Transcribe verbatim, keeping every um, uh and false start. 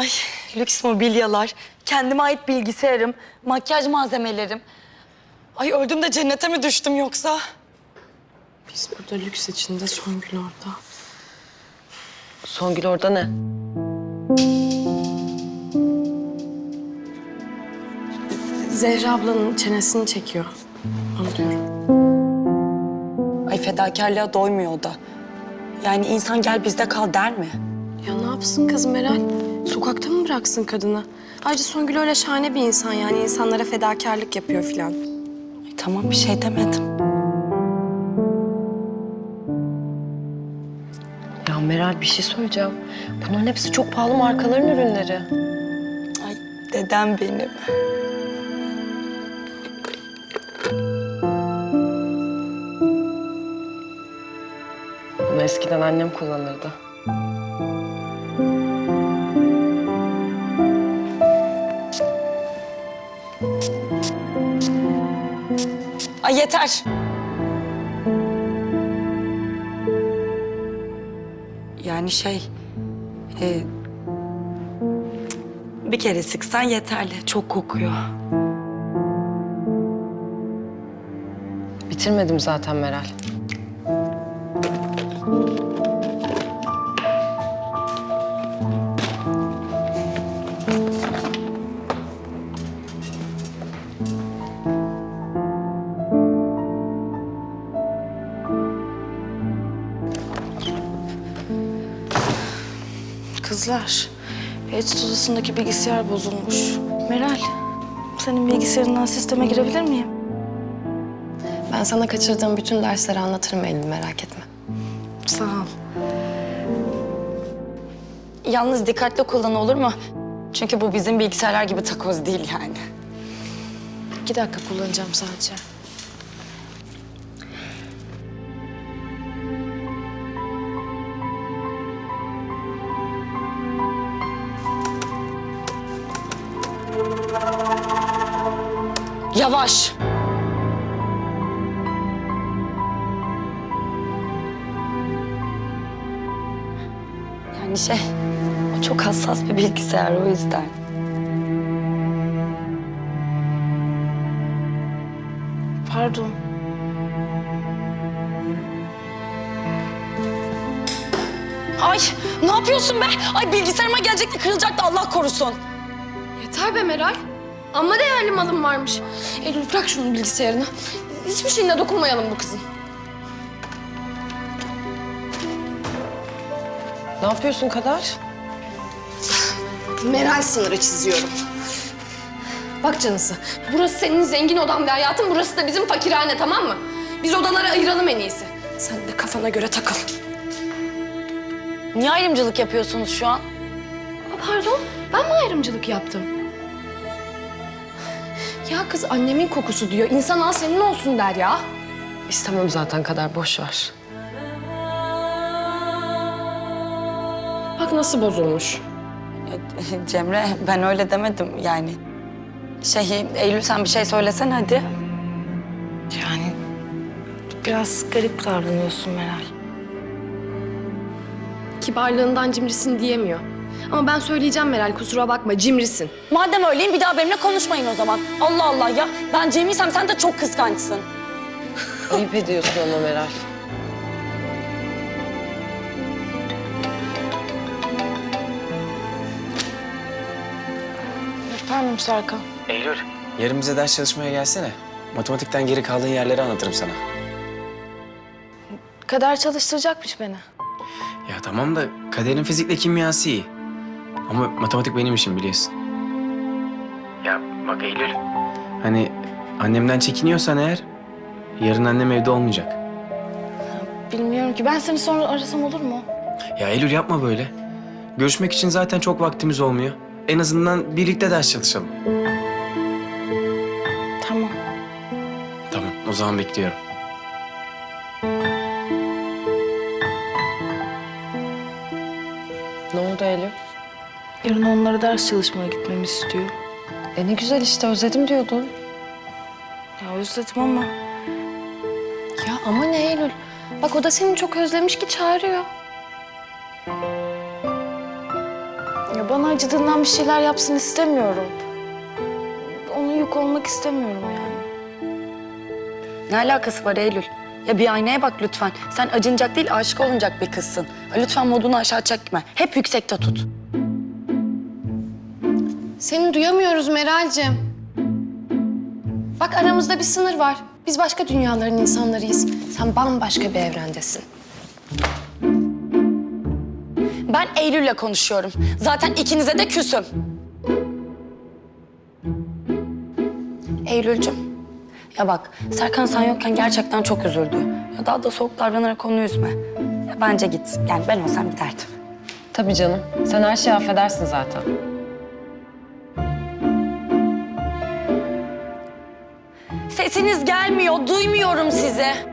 Ay lüks mobilyalar, kendime ait bilgisayarım, makyaj malzemelerim. Ay öldüm de cennete mi düştüm yoksa? Biz burada lüks içinde, Songül orada. Songül orada ne? Zehra ablanın çenesini çekiyor. Onu diyorum. Ay fedakarlığa doymuyor o da. Yani insan gel bizde kal der mi? Ya ne yapsın kız Meral? Sokakta mı bıraksın kadını? Ayrıca Songül öyle şahane bir insan yani. İnsanlara fedakarlık yapıyor filan. Ay, tamam bir şey demedim. Ya Meral bir şey söyleyeceğim. Bunların hepsi çok pahalı markaların ürünleri. Ay dedem benim. Bunu eskiden annem kullanırdı. Ay yeter. Yani şey... E, bir kere sıksan yeterli. Çok kokuyor. Bitirmedim zaten Meral. Kızlar, Edit odasındaki bilgisayar bozulmuş. Meral, senin bilgisayarından sisteme girebilir miyim? Ben sana kaçırdığım bütün dersleri anlatırım Eylül, merak etme. Sağ ol. Yalnız dikkatli kullan olur mu? Çünkü bu bizim bilgisayarlar gibi takoz değil yani. İki dakika kullanacağım sadece. Yavaş. Yani şey, o çok hassas bir bilgisayar o yüzden. Pardon. Ay ne yapıyorsun be? Ay bilgisayarıma gelecekti kırılacaktı Allah korusun. Yeter be Meral. Amma değerli malım varmış. Eylül bırak şunun bilgisayarını. Hiçbir şeyine dokunmayalım bu kızın. Ne yapıyorsun Kadar? Meral sınırı çiziyorum. Bak canısı, burası senin zengin odan ve hayatın, burası da bizim fakirhane, tamam mı? Biz odaları ayıralım en iyisi. Sen de kafana göre takıl. Niye ayrımcılık yapıyorsunuz şu an? Aa, pardon, ben mi ayrımcılık yaptım? Ya kız annemin kokusu diyor, insan al senin olsun der ya. İstemem zaten Kadar, boş ver. Bak nasıl bozulmuş. Ya, Cemre ben öyle demedim yani. Şey Eylül sen bir şey söylesen hadi. Yani biraz garip davranıyorsun Meral. Kibarlığından cimrisin diyemiyor. Ama ben söyleyeceğim Meral, kusura bakma, cimrisin. Madem öyleyim bir daha benimle konuşmayın o zaman. Allah Allah ya ben Cem'iysem sen de çok kıskançsın. Ayıp ediyorsun ama Meral. Efendim Serkan. Eylül, yarın bize ders çalışmaya gelsene. Matematikten geri kaldığın yerleri anlatırım sana. Kader çalıştıracakmış beni. Ya tamam da Kader'in fizikle kimyası iyi. Ama matematik benim işim biliyorsun. Ya bak Eylül. Hani annemden çekiniyorsan eğer, yarın annem evde olmayacak. Bilmiyorum ki. Ben seni sonra arasam olur mu? Ya Eylül yapma böyle. Görüşmek için zaten çok vaktimiz olmuyor. En azından birlikte ders çalışalım. Tamam. Tamam, o zaman bekliyorum. Ne oldu Eylül? Yarın onlara ders çalışmaya gitmemi istiyor. E ne güzel işte, özledim diyordun. Ya özledim ama Ya ama ne Eylül? Bak o da seni çok özlemiş ki çağırıyor. ya bana acıdığından bir şeyler yapsın istemiyorum. Ona yük olmak istemiyorum yani. Ne alakası var Eylül? Ya bir aynaya bak lütfen. Sen acınacak değil, aşık olunacak bir kızsın. Ha, lütfen modunu aşağı çekme. Hep yüksekte tut. Seni duyamıyoruz Meral'cim. Bak aramızda bir sınır var. Biz başka dünyaların insanlarıyız. Sen bambaşka bir evrendesin. Ben Eylül'le konuşuyorum. Zaten ikinize de küsüm. Eylül'cüm. Ya bak, Serkan sen yokken gerçekten çok üzüldü. Ya daha da soğuk davranarak onu üzme. Ya bence git. Yani ben olsam giderdim. Tabii canım. Sen her şeyi affedersin zaten. Sesiniz gelmiyor, duymuyorum sizi.